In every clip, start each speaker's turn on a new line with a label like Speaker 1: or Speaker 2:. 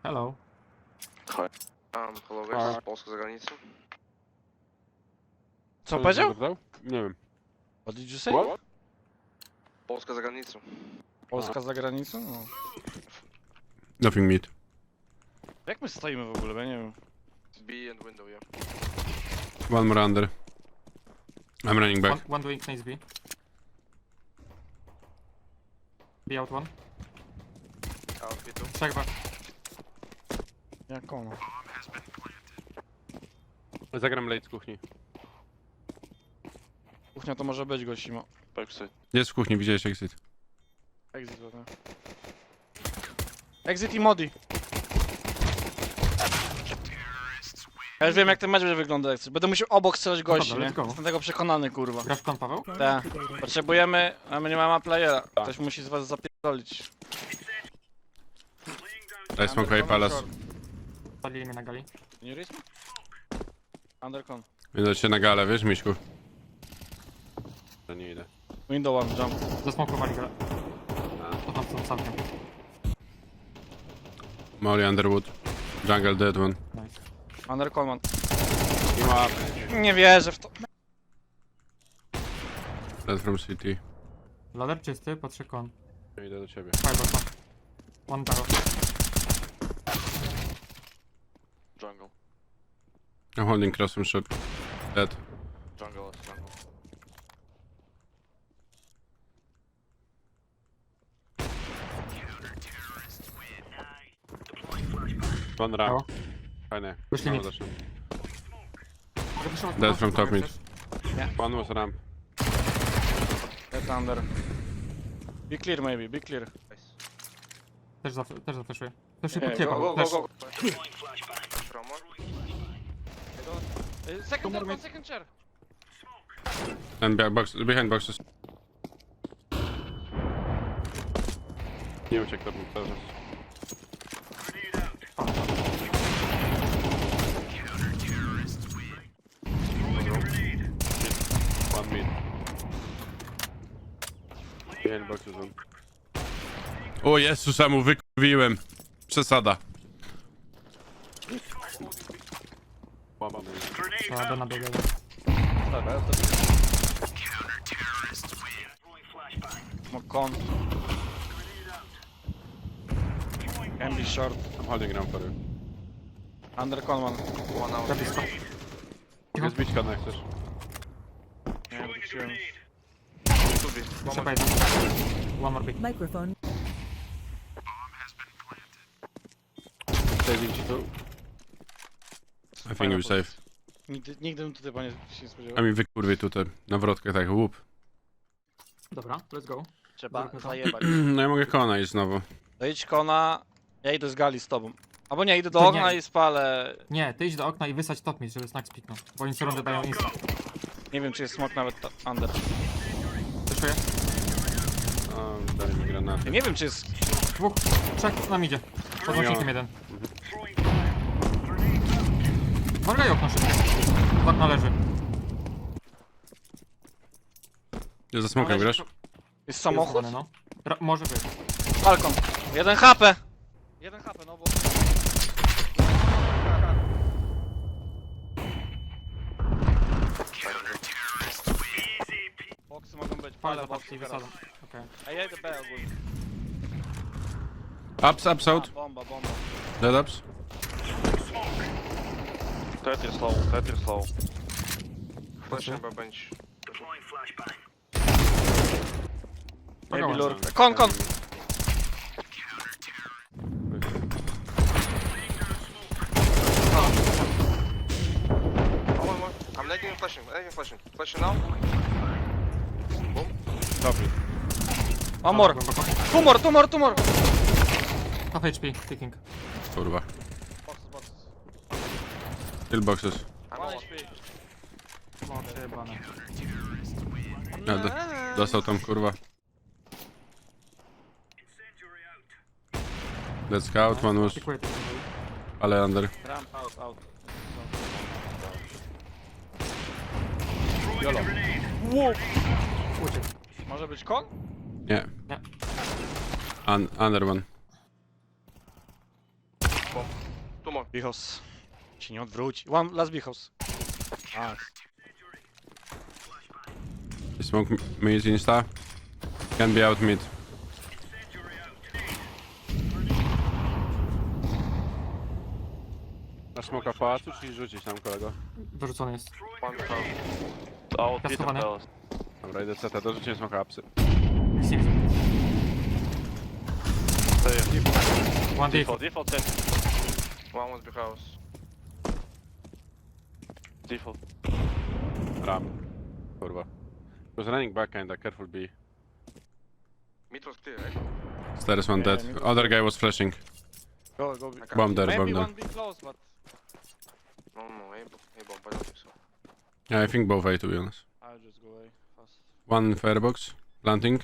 Speaker 1: Hello.
Speaker 2: Hi. Hello guys, z Polska za granicą.
Speaker 3: Co on powiedział?
Speaker 4: Nie wiem.
Speaker 3: What did you say?
Speaker 4: What?
Speaker 2: Polska za granicą.
Speaker 3: Polska za granicą? No.
Speaker 4: Nothing mid.
Speaker 3: Jak my stoimy w ogóle? Bo ja nie wiem.
Speaker 2: B and window, yeah.
Speaker 4: One more under. I'm running back.
Speaker 1: One doing nice B. B out one.
Speaker 2: Out B2.
Speaker 1: Trzech B.
Speaker 3: Jak ono?
Speaker 4: Zagram late z kuchni.
Speaker 3: Kuchnia to może być gościmo.
Speaker 2: Backside.
Speaker 4: Jest w kuchni, widziałeś exit.
Speaker 3: Exit pewnie. Exit i modi. Ja już wiem jak ten mecz będzie wyglądać. Będę musiał obok strzelać gości,
Speaker 1: Dobra,
Speaker 3: nie?
Speaker 1: let's go.
Speaker 3: Jestem tego przekonany, kurwa.
Speaker 1: Grasz kon, Paweł?
Speaker 3: Tak. Potrzebujemy, a my nie mamy playera. Ktoś musi z was zapierdolić.
Speaker 4: Daj smoke palace.
Speaker 1: Palili mnie na gali.
Speaker 3: Nie ryś? Undercon.
Speaker 4: Idę się na galę, wiesz, Miśku? To nie idę.
Speaker 3: Window one, jump.
Speaker 1: Zasmokowali galę. To tam są całkiem.
Speaker 4: Molly Underwood. Jungle dead one.
Speaker 1: Nice.
Speaker 3: Undercon man.
Speaker 4: Team up.
Speaker 3: Nie wierzę w to.
Speaker 4: Dead from city.
Speaker 1: Ladder czysty, patrzę kon.
Speaker 4: Idę do ciebie.
Speaker 1: Fiber kon. One barrel.
Speaker 2: Jungle.
Speaker 4: I'm holding cross from shot. Dead.
Speaker 2: Jungle is jungle.
Speaker 4: One ramp.
Speaker 1: Brawo.
Speaker 4: Fajnie.
Speaker 1: Wyszli
Speaker 4: Mało
Speaker 1: mid.
Speaker 4: zaczynam.
Speaker 1: Mogę wyszło-
Speaker 4: Dead from top mid.
Speaker 1: Chcesz?
Speaker 4: One was ramp.
Speaker 3: Get under. Be clear maybe, be clear.
Speaker 1: Też zafreszuję. Też się
Speaker 2: Go,
Speaker 1: podkiepał.
Speaker 2: go, go,
Speaker 1: Też.
Speaker 2: go. From one.
Speaker 3: Second chair, second chair.
Speaker 4: And box, behind boxes. Nie uciekł to cały czas. One mid. Behind boxes on. O Jezus, ja mu wykurwiłem. Przesada. Łamany.
Speaker 1: Trzeba na biegę.
Speaker 3: Con. Can be short.
Speaker 4: I'm holding ramp for you.
Speaker 3: Undercon man.
Speaker 2: One out.
Speaker 1: Za blisko.
Speaker 4: Mogę zbić kana jak chcesz.
Speaker 3: Nie, wróciłem.
Speaker 2: Two B. One
Speaker 1: Trzeba
Speaker 2: more.
Speaker 1: jeden. One more B.
Speaker 5: Microphone.
Speaker 4: Saving ci tu. I think we're safe.
Speaker 3: Nigdy bym tutaj panie się nie
Speaker 4: A
Speaker 3: spodziewał.
Speaker 4: mi wykurwie tutaj, na wrotkach tak, łup.
Speaker 1: Dobra, let's go.
Speaker 3: Trzeba
Speaker 1: Zróbmy to.
Speaker 3: zajebać.
Speaker 4: No ja mogę kona iść znowu.
Speaker 3: Dojdź kona, ja idę z gali z tobą. Albo nie, idę do
Speaker 1: To
Speaker 3: okna
Speaker 1: nie.
Speaker 3: i spalę.
Speaker 1: Nie, ty idź do okna i wysadź top mid, żeby snack spiknął. Bo oni co rundę dają insta.
Speaker 3: Nie wiem czy jest smok nawet under.
Speaker 1: Wyszuję.
Speaker 4: O, dali mi granaty.
Speaker 3: Ja nie wiem czy jest...
Speaker 1: Dwóch, trzech nam idzie. Pod łącznikiem jeden. Morgaj okno szybko. Z okna leży.
Speaker 4: Ja za smokiem grasz?
Speaker 3: Jest samochód?
Speaker 1: Jest no. Może być.
Speaker 3: Balkon. 1 HP. 1 HP, no bo... Boksy mogą być,
Speaker 1: Palę
Speaker 3: palę
Speaker 1: boxy i
Speaker 3: boksy teraz.
Speaker 1: wysadzam. Okej.
Speaker 3: A ja idę B ogólnie.
Speaker 4: Ups, out.
Speaker 3: Bomba, bomba.
Speaker 4: Dead ups.
Speaker 2: Tetris slow, Tetris slow. Flash chyba bench.
Speaker 3: Maybe
Speaker 1: Kogo
Speaker 3: lurk. Kon!
Speaker 2: Oh, one more. I'm lagging and flashing, Flashing now.
Speaker 4: Dobry.
Speaker 3: One more.
Speaker 1: Głęboko.
Speaker 3: Tumor.
Speaker 1: Half HP, ticking.
Speaker 4: Kurwa.
Speaker 3: Boxes.
Speaker 4: Kill boxes.
Speaker 2: I'm
Speaker 3: 1
Speaker 2: on.
Speaker 3: HP.
Speaker 1: No, przejebane.
Speaker 4: Ja dostał tam kurwa. Dead scout, one was,
Speaker 1: Pikuję to.
Speaker 4: ale under.
Speaker 3: Ramp out.
Speaker 1: Uciekł.
Speaker 3: Może być kon?
Speaker 4: Nie.
Speaker 1: Nie.
Speaker 4: Under one.
Speaker 2: bomb. Two more.
Speaker 3: Bichos. Się nie odwróci. One last bichos. Nice.
Speaker 4: Smoke mid insta. Can be out mid. Na smoka w pałacu, czy rzucić tam, kolego?
Speaker 1: Wyrzucony jest.
Speaker 2: One behind.
Speaker 5: Out, hit
Speaker 1: Kastowane.
Speaker 5: and palace.
Speaker 4: Dobra, idę CT, dorzuciłem smoka apsy.
Speaker 1: Nic nie widzę. One
Speaker 5: Default,
Speaker 1: default.
Speaker 5: default 10.
Speaker 2: One was behind house.
Speaker 5: Default.
Speaker 4: Ram. Kurwa. Was running back kinda, careful B.
Speaker 2: Mid was clear, right?
Speaker 4: Stairs one
Speaker 3: Yeah,
Speaker 4: dead.
Speaker 3: mid-
Speaker 4: Other guy was flashing.
Speaker 3: Go, go.
Speaker 2: I can't.
Speaker 4: Bomb there,
Speaker 3: Maybe
Speaker 4: bomb there.
Speaker 3: one be close, but
Speaker 2: No, A bomb, I don't think so.
Speaker 4: Yeah, I think both A, to be honest.
Speaker 3: I'll just go away fast.
Speaker 4: One firebox. Planting.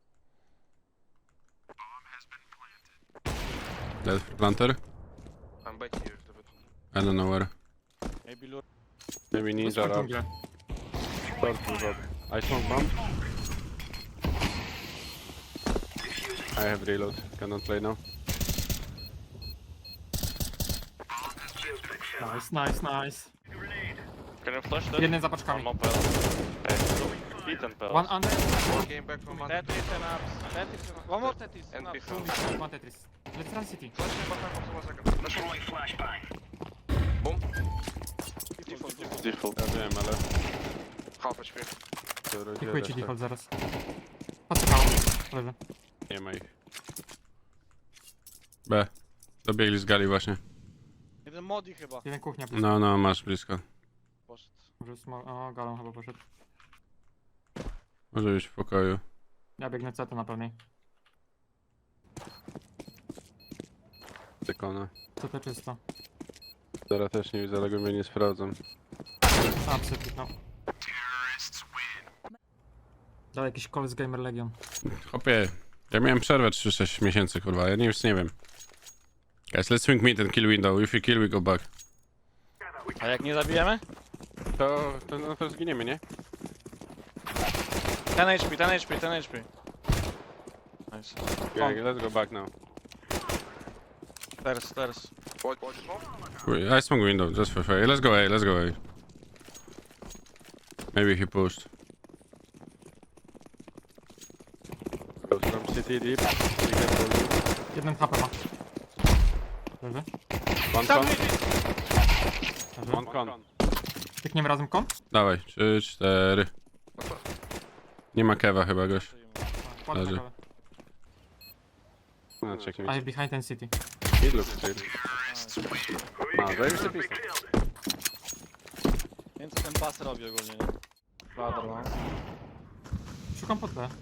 Speaker 4: Dead planter.
Speaker 2: I'm back here a bit.
Speaker 4: I don't know where.
Speaker 3: Maybe lure.
Speaker 4: Maybe
Speaker 1: Jest
Speaker 4: ninja
Speaker 1: po
Speaker 4: rap.
Speaker 1: dżunglę.
Speaker 4: I smoke bomb. I have reload. Cannot play now.
Speaker 1: Nice.
Speaker 5: Can you flash that?
Speaker 1: Jeden za
Speaker 5: I'm
Speaker 1: paczkami.
Speaker 5: not palace. Hey, hit and palace.
Speaker 1: One under,
Speaker 2: One came back from under.
Speaker 3: Tetris and ups. Tetris and ups. One more Tetris
Speaker 2: And
Speaker 3: and ups.
Speaker 2: behind.
Speaker 1: one Tetris. Let's run city.
Speaker 2: Flash him behind for 1 second. Flash him. Boom.
Speaker 5: Default.
Speaker 4: Ja wiem, ale...
Speaker 2: Half HP.
Speaker 1: Dziękuję ci default zaraz. Patrzałem. Lewy.
Speaker 4: Nie ma ich. B. Dobiegli z gali właśnie.
Speaker 3: Jeden modi chyba
Speaker 1: Jeden kuchnia.
Speaker 4: No, masz blisko.
Speaker 3: poszedł.
Speaker 1: Może o, galą chyba poszedł.
Speaker 4: Może być w pokoju.
Speaker 1: Ja biegnę CT na pewnej.
Speaker 4: Dekona.
Speaker 1: CT czysto.
Speaker 4: Teraz też nie widzę, ale go mnie nie sprawdzam.
Speaker 1: A, no. Dał jakiś call z Gamer Legion.
Speaker 4: Hopie, ja miałem przerwę 3-6 miesięcy, kurwa, ja nic nie wiem. Guys, let's swing mid and kill window. If you kill, we go back.
Speaker 3: A jak nie zabijemy?
Speaker 4: To zginiemy, nie?
Speaker 3: 10 HP, 10 HP, 10 HP. Nice.
Speaker 4: Yeah, let's go back now.
Speaker 3: Stairs.
Speaker 2: Watch smoke.
Speaker 4: I swung window, just for fair. Let's go A. Maybe he pushed. Goes from city deep.
Speaker 1: Jeden HP ma. Lewy.
Speaker 4: One con.
Speaker 1: Lewy.
Speaker 4: One con.
Speaker 1: Tykniemy razem kon?
Speaker 4: Dawaj, 3, 4. Nie ma kewa chyba, goś.
Speaker 1: Kładę
Speaker 4: Leży.
Speaker 1: na galę.
Speaker 4: No, check
Speaker 1: I
Speaker 4: me.
Speaker 1: have behind ten city.
Speaker 4: It looks clear. A, zajebisty pistol.
Speaker 3: Więc ten pas robi ogólnie, nie? Ladder, no.
Speaker 1: Szukam pod B.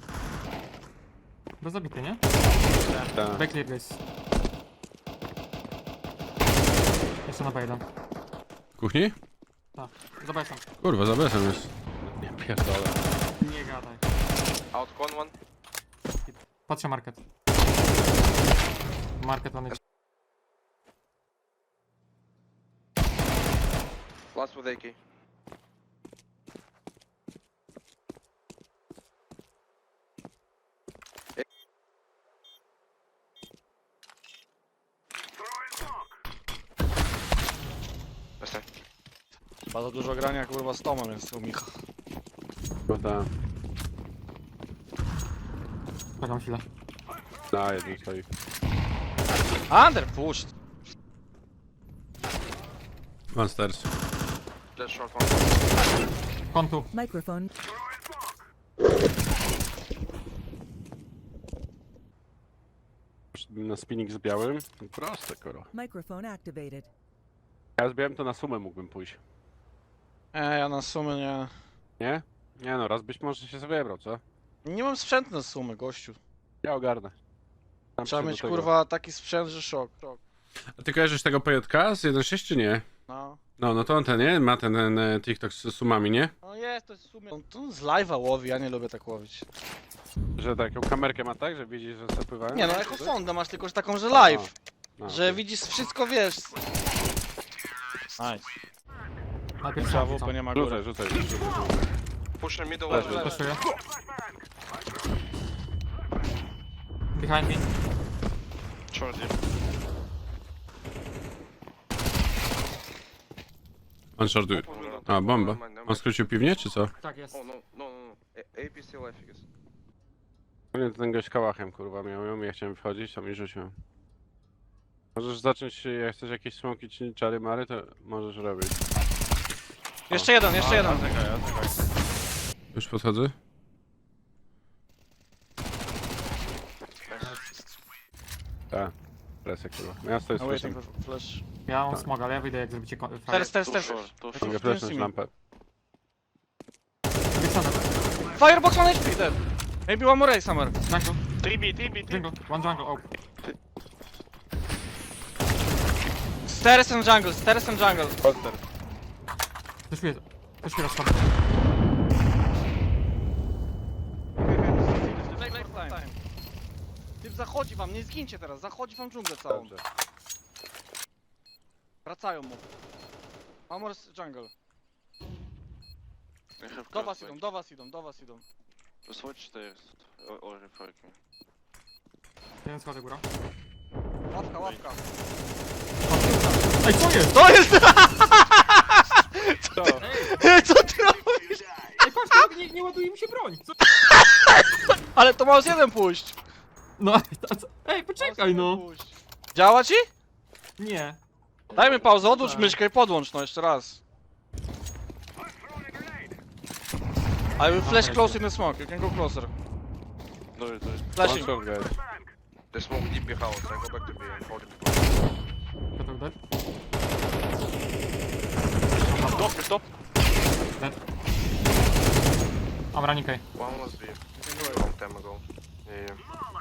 Speaker 1: Do zabity, nie?
Speaker 4: Tak.
Speaker 1: B clear guys. Jeszcze na B1.
Speaker 4: Kuchni?
Speaker 1: Tak. Zobaczam.
Speaker 4: Kurwa, za besem jest. Nie pierdolę.
Speaker 1: Nie gadaj.
Speaker 2: Out con one.
Speaker 1: Patrzę market. Market one.
Speaker 2: Last with AK. Last time.
Speaker 3: Bardzo dużo grania kurwa z Tomem jest u Micha.
Speaker 4: Bo ta...
Speaker 1: Czekam chwilę.
Speaker 4: Na, jeden stoi.
Speaker 3: Under pushed.
Speaker 4: One stairs.
Speaker 2: Flash short one.
Speaker 1: Kon tu.
Speaker 6: Microphone.
Speaker 4: Na spinning z białym? Proste, koro.
Speaker 6: Microphone activated.
Speaker 4: Ja z białym to na sumę mógłbym pójść.
Speaker 3: Ja na sumę nie...
Speaker 4: Nie? Nie no, raz być może się sobie wybrał, co?
Speaker 3: Nie mam sprzętu na sumę, gościu.
Speaker 4: Ja ogarnę. Tam
Speaker 3: Trzeba
Speaker 4: się do
Speaker 3: mieć
Speaker 4: tego.
Speaker 3: kurwa taki sprzęt, że szok.
Speaker 4: A ty kojarzysz tego PJK z 1.6 czy nie?
Speaker 3: No.
Speaker 4: No to on ten, nie? Ma ten TikTok z sumami, nie?
Speaker 3: No jest, to jest w sumie... On tu z live'a łowi, ja nie lubię tak łowić.
Speaker 4: Że taką kamerkę ma tak, że widzi, że zapływają?
Speaker 3: Nie no, echosondę masz tylko, że taką, że live.
Speaker 4: No,
Speaker 3: Że
Speaker 4: okej.
Speaker 3: widzisz wszystko, wiesz. Nice.
Speaker 1: Najpierw
Speaker 3: Trzeba
Speaker 1: trzeba
Speaker 3: WP nie ma góry.
Speaker 4: Rzucaj.
Speaker 2: Push the middle
Speaker 4: Leży.
Speaker 2: level.
Speaker 1: Puszuję. Behind me.
Speaker 5: Short deep.
Speaker 4: On shortuje. A, bomba. On skrócił piwnię, czy co?
Speaker 1: Tak jest.
Speaker 2: Oh, no, no, no, no. AP still life, I guess.
Speaker 4: Nie, to ten gość kałachem, kurwa, miał ją, ja chciałem wchodzić, tam i rzuciłem. Możesz zacząć, jak chcesz jakieś smoki czy czary mary, to możesz robić.
Speaker 3: Jeszcze jeden, jeszcze jeden.
Speaker 4: Już podchodzę? Tak. Presję, kurwa. Miasto jest
Speaker 3: No waiting
Speaker 4: presją.
Speaker 3: for flash.
Speaker 1: Ja mam
Speaker 4: Tak.
Speaker 1: smog, ale ja wyjdę jak zrobicie
Speaker 3: Stairs,
Speaker 1: fire.
Speaker 3: stairs,
Speaker 5: Too
Speaker 3: stairs.
Speaker 5: short, too short.
Speaker 4: Mogę flashnąć lampę.
Speaker 1: Wyksana.
Speaker 3: Firebox 1 HP, dead. Maybe one more A somewhere.
Speaker 1: Jungle,
Speaker 5: 3B, 3B, 3B.
Speaker 1: jungle, one jungle, oh.
Speaker 3: Stairs and jungle, stairs and jungle.
Speaker 1: Zeszuję rozchodzę.
Speaker 3: Typ zachodzi wam, nie zgincie teraz, zachodzi wam dżunglę całą.
Speaker 4: Dobrze.
Speaker 3: Wracają mu. Amor z jungle.
Speaker 5: I have
Speaker 3: Do was
Speaker 5: crossbow.
Speaker 3: idą, do was idą, do was idą.
Speaker 5: Switch stairs. Or refight me.
Speaker 1: Jeden schodek góra.
Speaker 3: Łapka, łapka.
Speaker 1: Ej, co jest?
Speaker 3: To jest! Co ty robisz?
Speaker 1: Ej, patrz, nie ładuje mi się broń. Co?
Speaker 3: Ale to masz jeden pójść.
Speaker 1: No, a co? Ej, poczekaj no.
Speaker 3: Działa ci?
Speaker 1: Nie.
Speaker 3: Dajmy pauzę, odłącz myszkę i podłącz, no jeszcze raz. I will flash close in the smoke, you can go closer.
Speaker 5: Do it, do it.
Speaker 3: Flashing.
Speaker 4: Short, guys.
Speaker 2: They smoke deep behind house, I go back to B and hold him.
Speaker 1: Gotowy dead?
Speaker 5: Top, you're top.
Speaker 1: Dead. Mam running A.
Speaker 2: One was B. A long time ago. Yeah,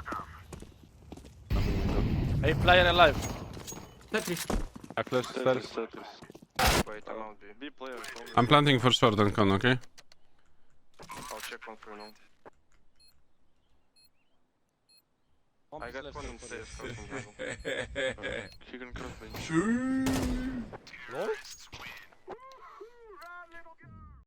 Speaker 2: yeah.
Speaker 3: Hey, player alive.
Speaker 1: Tetris.
Speaker 4: I flash
Speaker 5: Tetris,
Speaker 4: stairs.
Speaker 5: Tetris.
Speaker 2: Wait, I'm out B.
Speaker 5: B player.
Speaker 4: I'm planting for short on con, okay?
Speaker 2: I'll check one for you now. I got one in stairs crossing jungle.
Speaker 5: He can cross me.